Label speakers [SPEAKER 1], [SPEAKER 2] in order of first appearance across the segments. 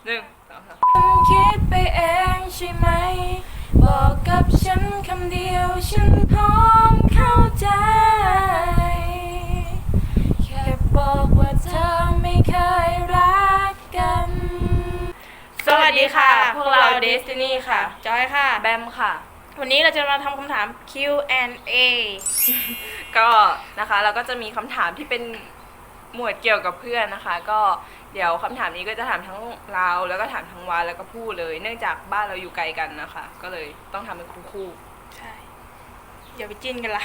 [SPEAKER 1] 1 2 3คิดไปเองใช่ไหมบอกกับฉันคำเดียวฉันพร้อมเข้าใจแค่บอกว่าเธอไม่เคยรักกันสวัสดีค่ะพวกเรา Destiny ค่ะจอยค่ะแบมค่ะวันนี้เราจะมาทำคำถาม Q&A ก็นะคะเราก็จะมีคำถามที่เป็นหมวดเกี่ยวกับเพื่อนนะคะก็เดี๋ยวคำถามนี้ก็จะถามทั้งเราแล้วก็ถามทั้งวาแล้วก็ผู้เลยเนื่องจากบ้านเราอยู่ไกลกันนะคะก็เลยต้องทำเป็นคู่
[SPEAKER 2] ใช่อย่าไปจิ้นกันละ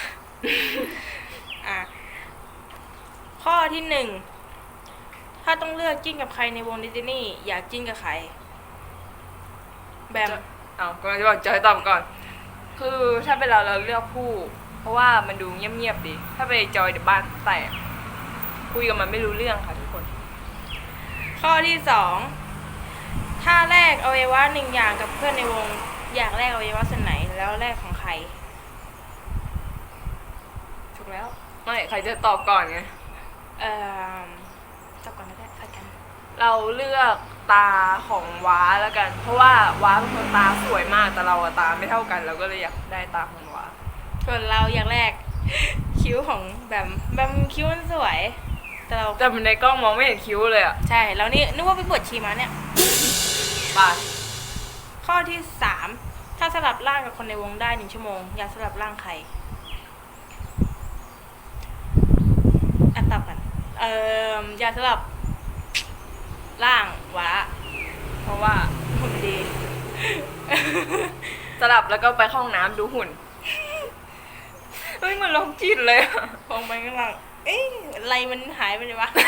[SPEAKER 2] ข้อที่ 1ถ้าต้องเลือกจิ้นกับใครในวงดิสนีย์อยากจิ้นกับใครแบม
[SPEAKER 1] ก็จะบอกจอยตอบก่อนคือถ้าเป็นเราเลือกผู้เพราะว่ามันดูเงียบๆดีถ้าไปจอยเดี๋ยวบ้านแตกคุยกับมันไม่รู้เรื่องค่ะทุกคน
[SPEAKER 2] ข้อที่ 2ถ้าแลกอวัยวะ1อย่างกับเพื่อนในวงอยากแลกอวัยวะส่วนไหนแล้วแลกของใครถูกแล้ว
[SPEAKER 1] ไม่ใครจะตอบก่อนไง
[SPEAKER 2] ตอบก่อนก็ได้ใครกัน
[SPEAKER 1] เราเลือกตาของว้าแล้วกันเพราะว่าว้าเป็นคนตาสวยมากแต่เราตาไม่เท่ากันเราก็เลยอยากได้ตาของว้า
[SPEAKER 2] ส่วนเราอยากแลกคิ้วของแบมคิ้วมันสวย
[SPEAKER 1] แต่ในกล้องมองไม่เห็นคิ้วเลยอ่ะ
[SPEAKER 2] ใช่แล้วนี่นึกว่าไปบวชชีมาเนี่ย
[SPEAKER 1] บาด
[SPEAKER 2] ข้อที่ 3ถ้าสลับร่างกับคนในวงได้1 ชั่วโมงอยากสลับร่างใครตอบกันอยากสลับร่างวะ
[SPEAKER 1] เพราะว่า
[SPEAKER 2] หุ่นดี
[SPEAKER 1] สลับแล้วก็ไปเข้าห้องน้ำดูหุ่นเฮ้ยมันลงจิตเลย
[SPEAKER 2] มองไปข้างหลังอะไรมันหายไปเลยวะ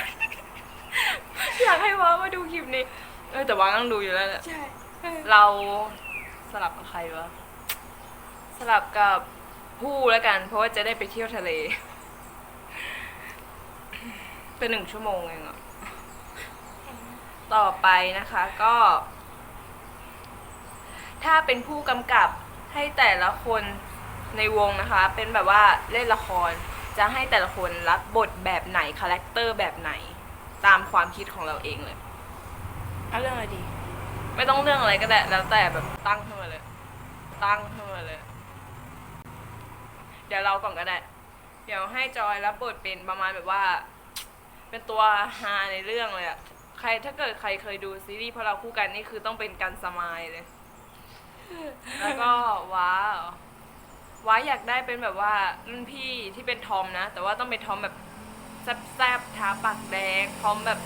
[SPEAKER 1] อยากให้ว้ามาดูคลิปนี้แต่ว้าต้องดูอยู่แล้วแหละ
[SPEAKER 2] ใช่
[SPEAKER 1] เราสลับกับใครวะสลับกับผู้แล้วกันเพราะว่าจะได้ไปเที่ยวทะเลเป็น1 ชั่วโมงเองอ่ะต่อไปนะคะก็ถ้าเป็นผู้กำกับให้แต่ละคนในวงนะคะเป็นแบบว่าเล่นละครจะให้แต่ละคนรับบทแบบไหนคาแรคเตอร์แบบไหนตามความคิดของเราเองเลย
[SPEAKER 2] เอาเรื่องอะไรดี
[SPEAKER 1] ไม่ต้องเรื่องอะไรก็ได้แล้วแต่แบบตั้งขึ้นมาเลยเดี๋ยวเราก่อนก็ได้เดี๋ยวให้จอยรับบทเป็นประมาณแบบว่าเป็นตัวฮาในเรื่องเลยอะใครถ้าเกิดใครเคยดูซีรีส์เพราะเราคู่กันนี่คือต้องเป็นกันสมายเลยแล้วก็ว้าอยากได้เป็นแบบว่ารุ่นพี่ที่เป็นทอมนะแต่ว่าต้องเป็นทอมแบบแซ่บๆทาปากแดงทอมแบบ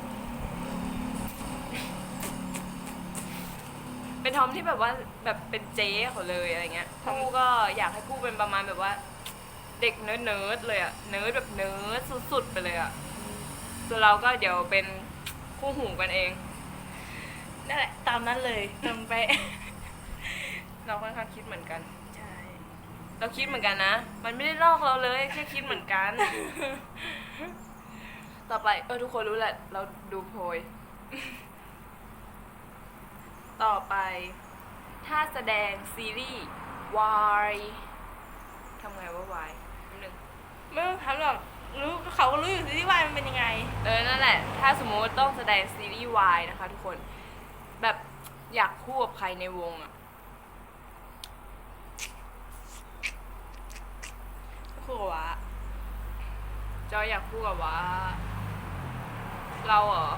[SPEAKER 1] เป็นทอมที่แบบว่าแบบเป็นเจ๊เขาเลยอะไรเงี้ยผู้ก็อยากให้ผู้เป็นประมาณแบบว่าเด็กเนิร์ดเลยอะเนิร์ดแบบเนิร์ดสุดๆไปเลยอะส่วนเราก็เดี๋ยวเป็นคู่หูกันเอง
[SPEAKER 2] นั่นแหละตามนั้นเลยตามไป
[SPEAKER 1] เราค่อนข้างคิดเหมือนกัน
[SPEAKER 2] ใช่
[SPEAKER 1] เราคิดเหมือนกันนะมันไม่ได้ลอกเราเลยแค่คิดเหมือนกัน ต่อไปทุกคนรู้แหละเราดูโพย ต่อไปถ้าแสดงซีรีส์วายทำไงว่าวายนึง
[SPEAKER 2] ไม่ต้องถามหรอกรู้เขาก็รู้อยู่ซีรีส์วายมันเป็นยังไง
[SPEAKER 1] นั่นแหละถ้าสมมติต้องแสดงซีรีส์วายนะคะทุกคนแบบอยากคู่กับใครในวงอะ
[SPEAKER 2] คู่กับวะ
[SPEAKER 1] จอยอยากคู่กับวะเราเหรอ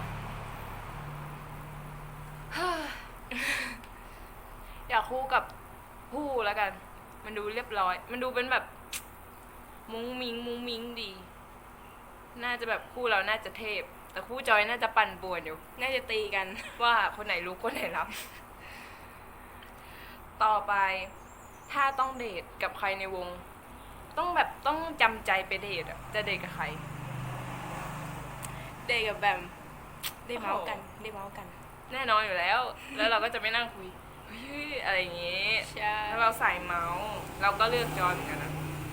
[SPEAKER 1] อยากคู่กับผู้แล้วกันมันดูเรียบร้อยมันดูเป็นแบบมุ้งมิ้งดีน่าจะแบบคู่เราน่าจะเทพแต่คู่จอยน่าจะปั่นป่วนอยู่
[SPEAKER 2] น่าจะตีกัน
[SPEAKER 1] ว่าคนไหนรู้คนไหนรับ ต่อไปถ้าต้องเดทกับใครในวงต้องจำใจไปเดทอะจะเดทกับใคร
[SPEAKER 2] เดทกับแบมได้เมาส์กัน
[SPEAKER 1] แน่นอนอยู่แล้วแล้วเราก็จะไม่นั่งคุยอะไรอย่างงี้ถ้าเราใส่เมาส์เราก็เลือกจอยเหมือนกันนะ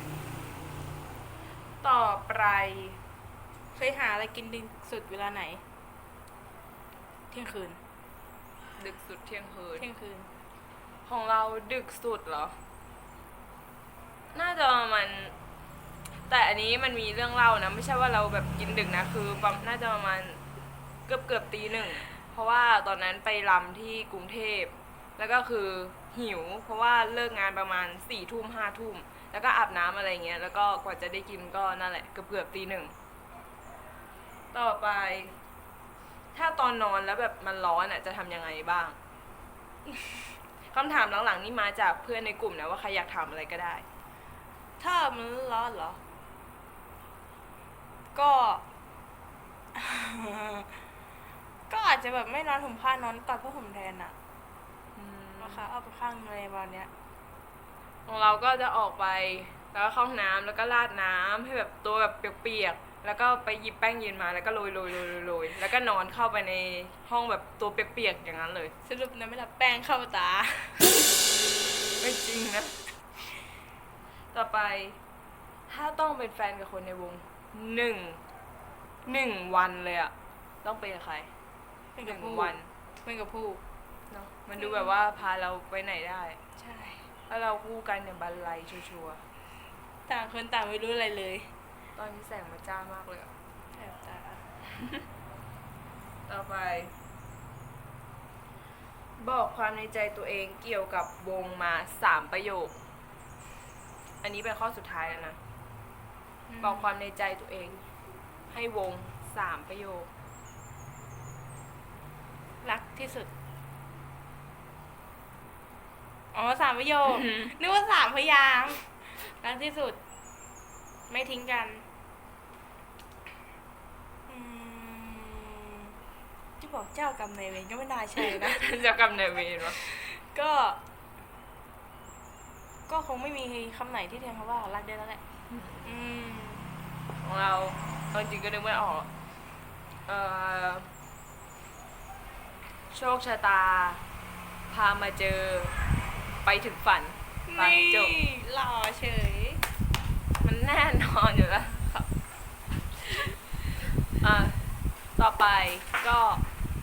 [SPEAKER 1] ต่อไป
[SPEAKER 2] เคยหาอะไรกินดึกสุดเวลาไหนเที่ยงคืน
[SPEAKER 1] ดึกสุดเที่ยงคืนของเราดึกสุดเหรอน่าจะมันแต่อันนี้มันมีเรื่องเล่านะไม่ใช่ว่าเราแบบกินดึกนะคือน่าจะประมาณเกือบตี 1เพ
[SPEAKER 2] ราะว่าตอนนั้นไปรำที่กรุงเทพแล้วก็คือหิว เพราะว่าเลิกงานประมาณ4 ทุ่ม5 ทุ่มแล้วก็อาบน้ำอะไรเงี้ยแล้วก็กว่าจะได้กินก็นั่นแหละเกือบตี 1ต่อไป ถ้าตอนนอนแล้วแบบมันร้อนอ่ะจะทำยังไงบ้าง คำถามหลังๆนี่มาจากเพื่อนในกลุ่มนะว่าใครอยากถามอะไรก็ได้
[SPEAKER 1] ถ้ามันร้อนเหรอ ก็ ก็อาจจะแบบไม่นอนห่มผ้านอนกอดผ้าห่มแทนอะนะคะเอาไปข้างในวันเนี้ย
[SPEAKER 2] ของเราก็จะออกไปแล้วก็เข้าห้องน้ำแล้วก็ราดน้ำให้แบบตัวแบบเปียกๆแล้วก็ไปหยิบแป้งเย็นมาแล้วก็โรยแล้วก็นอนเข้าไปในห้องแบบตัวเปียกๆอย่างนั้นเลย
[SPEAKER 1] สรุปนะไม่รับแป้งเข้าตา
[SPEAKER 2] ไม่จริงนะ ต่อไป ถ้าต้องเป็นแฟนกับคนในวงหนึ่งวันเลยอะต้องเป็นกับใคร
[SPEAKER 1] เป็น
[SPEAKER 2] ห
[SPEAKER 1] กับ
[SPEAKER 2] นึ่ง
[SPEAKER 1] ผู้
[SPEAKER 2] วัน
[SPEAKER 1] เป็นกับผู้
[SPEAKER 2] เนาะมันดูแบบว่าพาเราไปไหนได้
[SPEAKER 1] ใช่
[SPEAKER 2] ถ้าเราคู่กันเนี่ยบันไลชัวร์
[SPEAKER 1] ต่างคนต่างไม่รู้อะไรเลย
[SPEAKER 2] ๆตอนนี้แสงมันจ้ามากเลยอะ
[SPEAKER 1] แสบตา
[SPEAKER 2] ต่อไป บอกความในใจตัวเองเกี่ยวกับวงมา3 ประโยค อันนี้เป็นข้อสุดท้ายแล้วนะ บอกความในใจตัวเอง ให้วง3 ประโยค
[SPEAKER 1] รักที่สุด อ๋อ3 ประโยค นึกว่า3 พยางค์รักที่สุด ไม่ทิ้งกันที่บอกเจ้ากรรมนายเวรก็ไม่น่าใช่นะ
[SPEAKER 2] เจะกำเนิดเวรวะ
[SPEAKER 1] ก็ ก็คงไม่มีคำไหนที่แทนคำว่ารักได้แล้วแหละ
[SPEAKER 2] ของเราเอาจริงก็นึกไม่ออก โชคชะตา พามาเจอ ไปถึงฝันไป
[SPEAKER 1] นี่
[SPEAKER 2] จบ
[SPEAKER 1] หล่อเฉย
[SPEAKER 2] มันแน่นอนอยู่แล้วครับ ต่อไปก็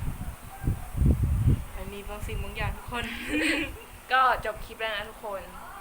[SPEAKER 1] มันมีบางสิ่งบางอย่างทุกคน
[SPEAKER 2] ก็จบคลิปแล้วนะทุกคน